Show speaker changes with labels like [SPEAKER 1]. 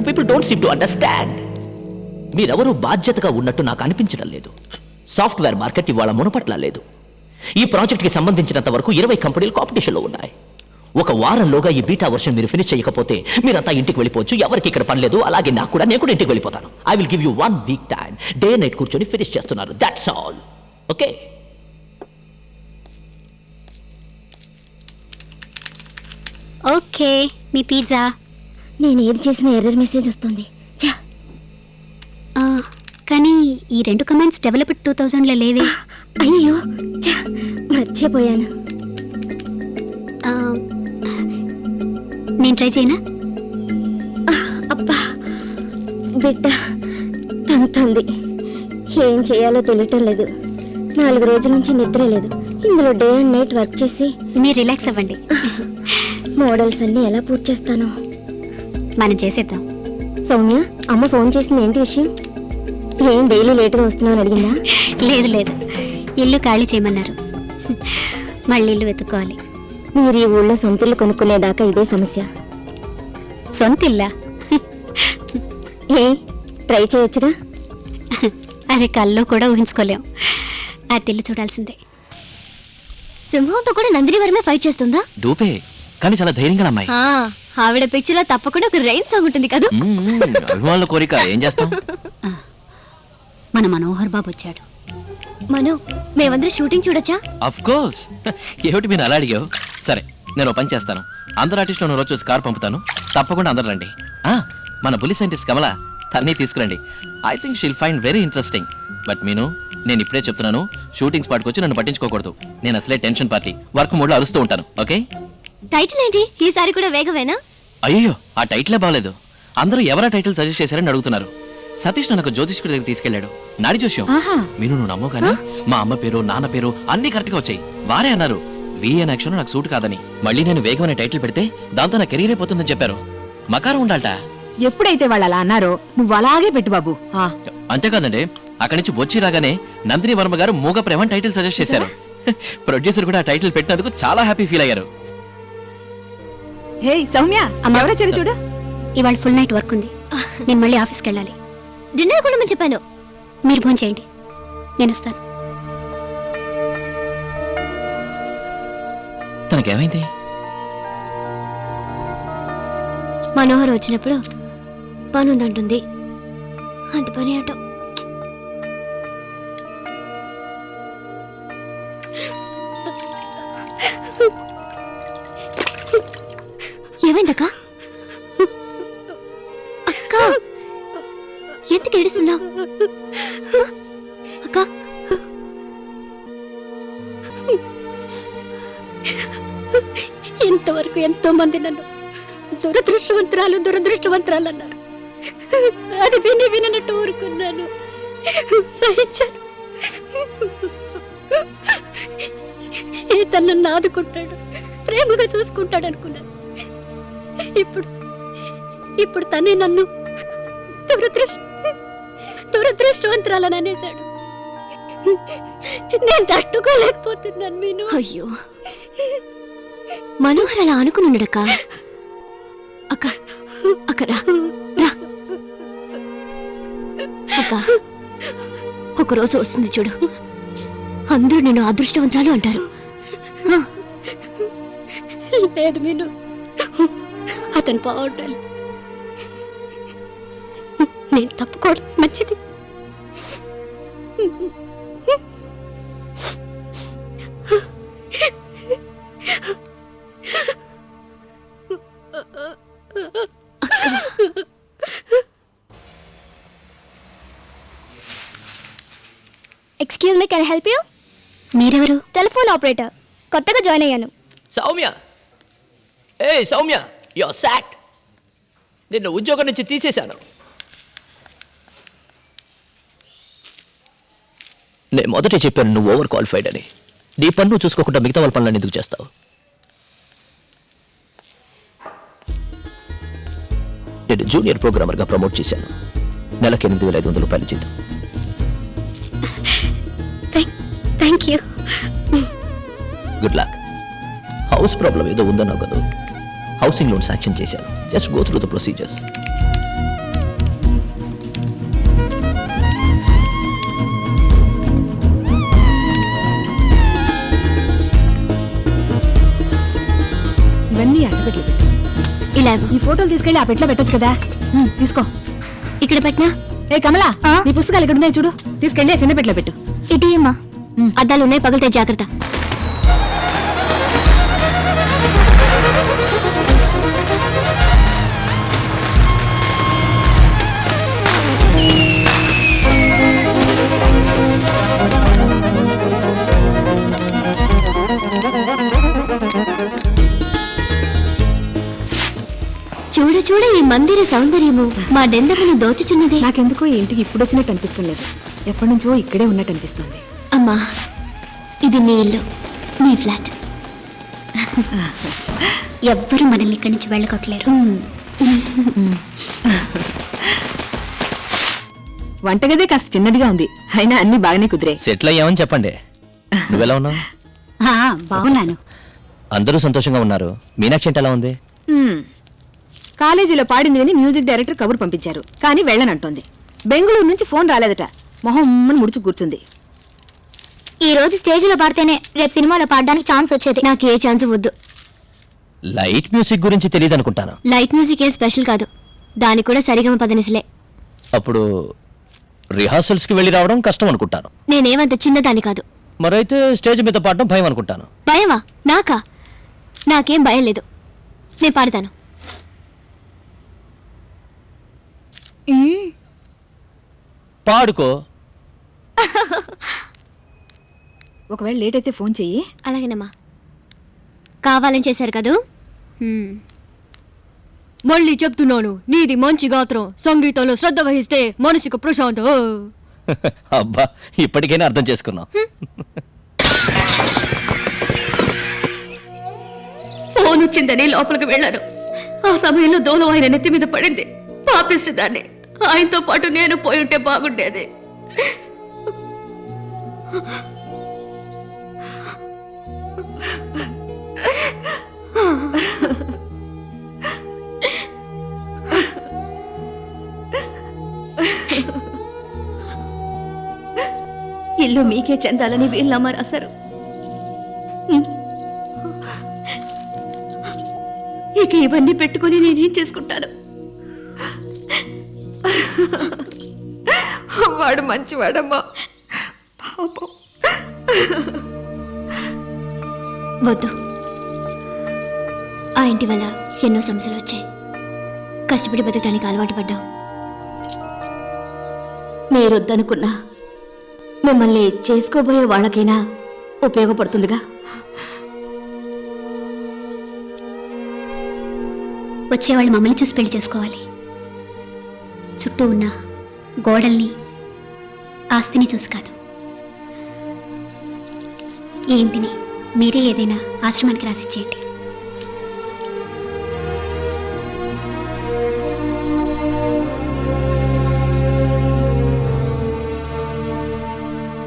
[SPEAKER 1] You people don't seem to understand. మీరెవరూ బాధ్యతగా ఉన్నట్టు నాకు అనిపించడం లేదు. సాఫ్ట్వేర్ మార్కెట్ ఇవాళ మునపట్ల లేదు. ఈ ప్రాజెక్ట్కి సంబంధించినంత వరకు 20 కంపెనీలు కాంపిటీషన్లో ఉన్నాయి. ఒక వారంలోగా ఈ బీటా వర్షన్ మీరు ఫినిష్ చేయకపోతే మీరంతా ఇంటికి వెళ్ళిపోవచ్చు. ఎవరికి ఇక్కడ పని లేదు. అలాగే నాకు కూడా, నేను కూడా ఇంటికి వెళ్ళిపోతాను. I will give you 1 week time. Day night కూర్చొని ఫినిష్ చేస్తున్నారు. That's all. ఓకే?
[SPEAKER 2] ఓకే, మీ పిజ్జా.
[SPEAKER 3] నేను ఏది చేసిన ఎర్రర్ మెసేజ్ వస్తుంది.
[SPEAKER 2] కానీ ఈ 2 కమెంట్స్ డెవలప్డ్ 2000లో లేవే.
[SPEAKER 3] అయ్యో మర్చిపోయాను.
[SPEAKER 2] నేను ట్రై చేయనా?
[SPEAKER 3] అబ్బా బిడ్డ తంతుంది. ఏం చేయాలో తెలియటం లేదు. 4 రోజుల నుంచి నిద్ర లేదు. ఇందులో డే అండ్ నైట్ వర్క్ చేసి
[SPEAKER 2] మీరు రిలాక్స్ అవ్వండి.
[SPEAKER 3] మోడల్స్ అన్నీ ఎలా పూర్తి చేస్తాను?
[SPEAKER 2] మనం చేసేద్దాం.
[SPEAKER 3] సౌమ్య, అమ్మ ఫోన్ చేసింది. ఏంటి విషయం? ఏం డైలీ లేట్గా వస్తున్నావు అని అడిగిందా?
[SPEAKER 2] లేదు లేదు, ఇల్లు ఖాళీ చేయమన్నారు. మళ్ళీ ఇల్లు వెతుక్కోవాలి.
[SPEAKER 3] మీరు ఈ ఊళ్ళో సొంత ఇల్లు కొనుక్కునేదాకా ఇదే సమస్య.
[SPEAKER 2] సొంత ఇల్లా?
[SPEAKER 3] ఏ ట్రై చేయొచ్చుగా.
[SPEAKER 2] అది కల్లో కూడా ఊహించుకోలేం. ఆ ఇల్లు చూడాల్సిందే.
[SPEAKER 3] సింహంతో కూడా నందిని వరమే ఫైట్ చేస్తుందా?
[SPEAKER 1] డూపే, కానీ చాలా ధైర్యంగా అమ్మాయి.
[SPEAKER 3] ఆవిడ పిక్చర్ లో తప్పకుండా ఒక రైన్ సాంగ్ ఉంటుంది కదా.
[SPEAKER 1] అభిమానుల కోరిక, ఏం చేస్తాం.
[SPEAKER 2] మన మనోహర్ బాబు వచ్చాడు.
[SPEAKER 3] మనో, మేమందరం షూటింగ్ చూడొచ్చా?
[SPEAKER 1] Of course. ఏమిటి మీరు అలా అడిగావు? సరే, నేను ఓ పని చేస్తాను. అందరు ఆర్టిస్టులను రోజు చూసి కారు పంపుతాను. తప్పకుండా అందరు రండి. మన పులి సైంటిస్ట్ కమల, తన్ని తీసుకురండి. I think she'll find very interesting. But Meenu, నేను ఇప్పుడే చెప్తున్నాను, షూటింగ్ స్పాట్కి వచ్చి నన్ను పట్టించుకోకూడదు. నేను అసలే టెన్షన్ పార్టీ, వర్క్ మోడ్లో అరుస్తూ ఉంటాను. ఓకే?
[SPEAKER 3] టైటిల్ ఏంటి ఈసారి కూడా వేగవేనా?
[SPEAKER 1] అయ్యో, ఆ టైటిలే బాగలేదు. అందరూ ఎవరా టైటిల్ సజెస్ట్ చేశారని అడుగుతున్నారు. సతీష్ నన్ను జ్యోతిష్కుడి దగ్గర తీసుకెళ్లాడు. నాడి జోష్యం. మీరు నువ్వు నమ్మవు కానీ మా అమ్మ పేరు, నాన్న పేరు అన్ని కరెక్ట్ గా వచ్చాయి. వారే అన్నారు విఎన్ యాక్షన్ నాకు సూట్ కాదని. మళ్ళీ నేను వేగం అనే టైటిల్ పెడితే దాంతో నా కెరీర్ అయిపోతుందని చెప్పారు. మకారం ఉండాలట.
[SPEAKER 4] ఎప్పుడైతే వాళ్ళు అలా అన్నారో నువ్వు అలాగే పెట్టు బాబు.
[SPEAKER 1] అంతేకాదండి, అక్కడి నుంచి వచ్చి రాగానే నందిని వర్మ గారు మూగ ప్రేమ టైటిల్ సజెస్ట్ చేశారు. ప్రొడ్యూసర్ కూడా ఆ టైటిల్ పెట్టినందుకు చాలా హ్యాపీ ఫీల్ అయ్యారు.
[SPEAKER 4] హే సౌమ్య, ఎవరొచ్చారు చూడు.
[SPEAKER 2] ఇవాళ ఫుల్ నైట్ వర్క్ ఉంది. నేను మళ్ళీ ఆఫీస్కి వెళ్ళాలి.
[SPEAKER 3] డిన్నర్ కూడా చెప్పాను.
[SPEAKER 2] మీరు ఫోన్ చేయండి, నేను వస్తాను.
[SPEAKER 1] తనకేమైంది?
[SPEAKER 3] మనోహర్ వచ్చినప్పుడు పని ఉందంటుంది. అంత పని అటో. ఏమైందక్క? అక్క, ఎందుకు ఏడుస్తున్నావు? అక్క,
[SPEAKER 2] ఇంతవరకు ఎంతో మంది నన్ను దురదృష్టవంతురాలు అన్నారు. అది వినట్టు ఊరుకున్నాను, సహించాను. తను నన్ను ఆదుకుంటాడు, ప్రేమగా చూసుకుంటాడు అనుకున్నాను. ఇప్పుడు తనే నన్ను దురదృష్టవంతురాలని అనేశాడు. నేను తట్టుకోలేకపోతున్నాను మీను.
[SPEAKER 3] అయ్యో, మనోహర్ అలా అనుకున్నాడక్క. అక్క అక్క రా రా. అక్క, ఒకరోజు వస్తుంది చూడు, అందరూ నిన్ను అదృష్టవంతురాలు అంటారు.
[SPEAKER 2] లేదు మీను, అతను బాగుండాలి. నేను తప్పుకోవడం మంచిది.
[SPEAKER 3] Excuse me, can I help you?
[SPEAKER 2] మీరెవరు?
[SPEAKER 3] టెలిఫోన్ ఆపరేటర్, కొత్తగా జాయిన్ అయ్యాను.
[SPEAKER 1] సౌమ్య, ఏ సౌమ్య, యు ఆర్ సాక్డ్. నిన్ను ఉద్యోగం నుంచి తీసేశాను. నేను మొదటే చెప్పాను నువ్వు ఓవర్ క్వాలిఫైడ్ అని. నీ పన్ను చూసుకోకుండా మిగతా వాళ్ళ పనులను ఎందుకు చేస్తావు? నేను జూనియర్ ప్రోగ్రామర్గా ప్రమోట్ చేశాను. నెలకి 8,500 రూపాయలు జీతం.
[SPEAKER 2] Thank you.
[SPEAKER 1] Good luck. House problem ఏదో ఉందన్నావు కదా, హౌసింగ్ లోన్ శాంక్షన్ చేశాను. Just go through the procedures.
[SPEAKER 4] ఈ అట్టపెట్లు పెట్టు.
[SPEAKER 2] ఇలా
[SPEAKER 4] ఈ ఫోటోలు తీసుకెళ్లి ఆ పెట్లో పెట్టొచ్చు కదా. తీసుకో.
[SPEAKER 2] ఇక్కడ పెట్టినా
[SPEAKER 4] ఏ కమలా, నీ పుస్తకాలు ఇక్కడ ఉన్నాయి చూడు, తీసుకెళ్లి ఆ చిన్న పెట్లో పెట్టు.
[SPEAKER 2] ఇటీ అమ్మా. అద్దాలు ఉన్నాయి, పగిలితే జాగ్రత్త. చూడ చూడ ఈ మందిర సౌందర్యము మా డెందమును దోచుచున్నదే.
[SPEAKER 4] నాకెందుకో ఈ ఇంటికి ఇప్పుడు వచ్చినట్టు అనిపిష్టం లేదు. ఎప్పటి నుంచో ఇక్కడే ఉన్నట్టు అనిపిస్తుంది.
[SPEAKER 2] అమ్మా, ఇది నీ ఇల్లు, నీ ఫ్లాట్. ఎవ్వరూ మనల్ని ఇక్కడి నుంచి వెళ్ళగొట్టలేరు.
[SPEAKER 4] వంటగదే కాస్త చిన్నదిగా ఉంది, అయినా అన్ని బాగానే కుదిరే.
[SPEAKER 1] సెటిల్ అయ్యామని చెప్పండి. నువ్వెలా ఉన్నావు?
[SPEAKER 2] బాగున్నాను.
[SPEAKER 1] అందరూ సంతోషంగా ఉన్నారు. మీనాక్షి అంటే ఎలా ఉంది?
[SPEAKER 4] కాలేజీలో పాడింది విని మ్యూజిక్ డైరెక్టర్ కబురు పంపించారు, కానీ వెళ్ళనంటోంది. బెంగళూరు నుంచి ఫోన్ రాలేదట. మొహం ముడుచు కూర్చుంది.
[SPEAKER 2] ఈ రోజు స్టేజ్లో పాడితేనే రేపు సినిమాలో పాడడానికి ఛాన్స్ వచ్చేది. నాకు ఏ ఛాన్స్ వద్దు.
[SPEAKER 1] లైట్ మ్యూజిక్ గురించి తెలియదు అనుకుంటాను.
[SPEAKER 2] లైట్ మ్యూజిక్ ఏ స్పెషల్ కాదు, దానికి కూడా సరిగమ పదనిసలే.
[SPEAKER 1] అప్పుడు రిహార్సల్స్కి వెళ్ళి రావడం కష్టం అనుకుంటాను.
[SPEAKER 2] నేనేమంత చిన్నదాన్ని కాదు.
[SPEAKER 1] మరైతే స్టేజ్ మీద పాడడం భయం అనుకుంటాను.
[SPEAKER 2] భయమా? నాకా? నాకేం భయం లేదు, నేను పాడతాను.
[SPEAKER 1] పాడుకో.
[SPEAKER 4] ఒకవేళ లేట్ అయితే ఫోన్ చెయ్యి.
[SPEAKER 2] అలాగేనమ్మా. కావాలని చేశారు కదూ. మళ్ళీ చెప్తున్నాను, నీది మంచి గాత్రం, సంగీతంలో శ్రద్ధ వహిస్తే మనసుకు ప్రశాంతం.
[SPEAKER 1] అబ్బా, ఇప్పటికైనా అర్థం చేసుకున్నాం.
[SPEAKER 5] ఫోన్ వచ్చిందని లోపలికి వెళ్ళాను. ఆ సమయంలో దోలు ఆయన నెత్తి మీద పడింది. పాపిస్ట్ దాన్ని. ఆయనతో పాటు నేను పోయి ఉంటే బాగుండేది. ఇల్లు మీకే చెందాలని వీళ్ళమ్మ రాశారు. ఇక ఇవన్నీ పెట్టుకుని నేనేం చేసుకుంటాను?
[SPEAKER 4] వాడు మంచివాడమ్మా, పాపం.
[SPEAKER 2] వద్దు, ఆ ఇంటి వల్ల ఎన్నో సమస్యలు వచ్చాయి. కష్టపడి బతకడానికి అలవాటు పడ్డాం.
[SPEAKER 5] మీరొద్దనుకున్నా మిమ్మల్ని చేసుకోబోయే వాళ్ళకైనా ఉపయోగపడుతుందిగా.
[SPEAKER 2] వచ్చేవాళ్ళు మమ్మల్ని చూసి పెళ్లి చేసుకోవాలి. చుట్టూ ఉన్న గోడల్ని, ఆస్తిని చూసి కాదు. ఈ ఇంటిని మీరే ఏదైనా ఆశ్రమానికి రాసిచ్చేయండి.